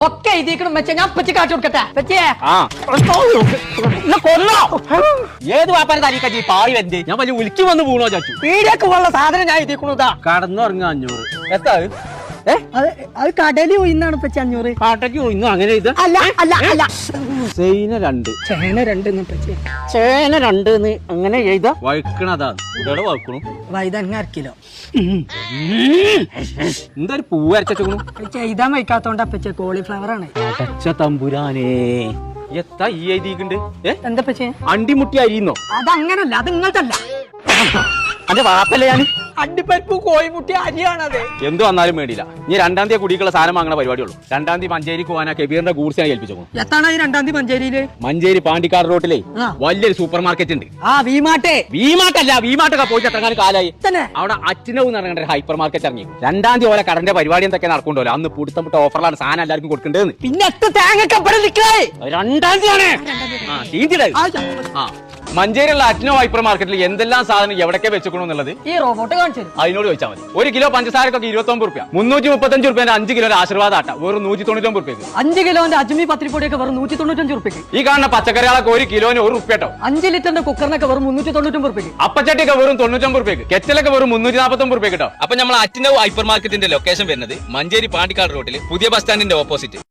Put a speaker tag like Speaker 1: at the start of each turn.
Speaker 1: ഒക്കെ എഴുതിക്കണം വെച്ചാ ഞാൻ പറ്റി കാട്ടി കൊടുക്കട്ടെ പറ്റിയേ
Speaker 2: കൊല്ലോ ഏത് വാപ്പാരെ തരീക്കി പാടി വരണ്ടേ ഞാൻ വലിയ ഉലിക്ക് വന്ന് വീണോ ചാച്ചു
Speaker 1: പീടിയൊക്കെ ഉള്ള സാധനം ഞാൻ എഴുതിക്കണതാ.
Speaker 2: കടന്നുറങ്ങ 500 എത്താ
Speaker 1: അത് കടലിൽ പോയിന്നാണ് പറ്റി 500.
Speaker 2: പാട്ടയ്ക്ക് ഇന്നും അങ്ങനെ ഇത്
Speaker 1: അല്ല അല്ല അല്ല
Speaker 2: ചേന 2
Speaker 1: ചേന 2 പറ്റി
Speaker 2: ചേന 2 അങ്ങനെ എഴുതാ വഴുക്കണതാ ഇവിടെ വഴുക്കണു
Speaker 1: വൈതങ്ങ 1 കിലോ.
Speaker 2: എന്താ ഒരു പൂവ് അരച്ചു
Speaker 1: എഴുതാൻ വയ്ക്കാത്തോണ്ടാ പറ്റിയ കോളിഫ്ലവർ ആണ്.
Speaker 2: അടച്ച തമ്പുരാനേ എത്താ ഈ എഴുതിയിട്ടുണ്ട്
Speaker 1: എന്താ പറ്റിയ
Speaker 2: അണ്ടിമുട്ടി അരിയുന്നോ
Speaker 1: അതങ്ങനല്ല അത് ഇങ്ങനത്തല്ല
Speaker 2: അന്റെ വാപ്പല്ലേ ഞാൻ
Speaker 1: അണ്ടിപ്പരിപ്പ് കോഴിമുട്ടി അരിയാണത്.
Speaker 2: എന്ത് വന്നാലും വേണ്ടിയില്ല ഇനി 2-ാം തീയതി കുടിക്കുള്ള സാധനം വാങ്ങണ പരിപാടിയുള്ളൂ. 2-ാം തീയതി മഞ്ചേരി പോകാനാ കെബീറിന്റെ ഗൂഡ്സിനെ ഏൽപ്പിച്ചു.
Speaker 1: എത്താണ് ഈ 2-ാം തീയതി മഞ്ചേരിയില്?
Speaker 2: മഞ്ചേരി പാണ്ടിക്കാട് റോട്ടിലെ വലിയൊരു സൂപ്പർ മാർക്കറ്റ് ഉണ്ട്. വിമാട്ടല്ല വിമാട്ടൊക്കെ പോയിട്ട് എത്രങ്ങാനും കാലായി. അവിടെ അച്ഛനവ് എന്ന് പറഞ്ഞ ഹൈപ്പർ മാർക്കറ്റ് ഇറങ്ങി. 2-ാം തീയതി ഓരോ കടന്റെ പരിപാടി എന്തൊക്കെ നടക്കുന്നുണ്ടല്ലോ. അന്ന് പുടുത്തം പുട്ട ഓഫറിലാണ് സാധനം എല്ലാവർക്കും കൊടുക്കേണ്ടത്.
Speaker 1: പിന്നെ
Speaker 2: 2-ാം തീയതിയാണ് മഞ്ചേരിയുള്ള അച്ഛനോ ഹൈപ്പർ മാർക്കറ്റിൽ എന്തെല്ലാം സാധനം എവിടൊക്കെ വെച്ചുക്കണമെന്നുള്ളത്
Speaker 1: ഈ റോബോട്ട് കാണിച്ചു
Speaker 2: അതിനോട് ചോദിച്ചാൽ മതി. 1 കിലോ പഞ്ചസാരക്കൊക്കെ 29 രൂപ, 335 രൂപ 5 കിലോ ആശീർവാദ ആട്ട വെറും 199 രൂപയ്ക്ക്.
Speaker 1: 5 കിലോന്റെ അജ്മി പത്തിരിപ്പൊടിയൊക്കെ വെറും 195 രൂപയ്ക്ക്.
Speaker 2: ഈ കാണുന്ന പച്ചക്കറികളൊക്കെ 1 കിലോന് 1 റുപ്യ കേട്ടോ.
Speaker 1: 5 ലിറ്ററിന്റെ കുക്കറിനൊക്കെ വെറും 399 രൂപയ്ക്ക്.
Speaker 2: അപ്പച്ചട്ടിയൊക്കെ വെറും 99 രൂപയ്ക്ക്. കെറ്റലൊക്കെ വെറും 349 രൂപ കേട്ടോ. അപ്പൊ നമ്മൾ അച്ഛനോ ഹൈപ്പർ മാർക്കറ്റിന്റെ ലൊക്കേഷൻ വരുന്നത് മഞ്ചേരി പാണ്ടിക്കാട് റോഡിൽ പുതിയ ബസ് സ്റ്റാൻഡിന്റെ ഓപ്പോസിറ്റ്.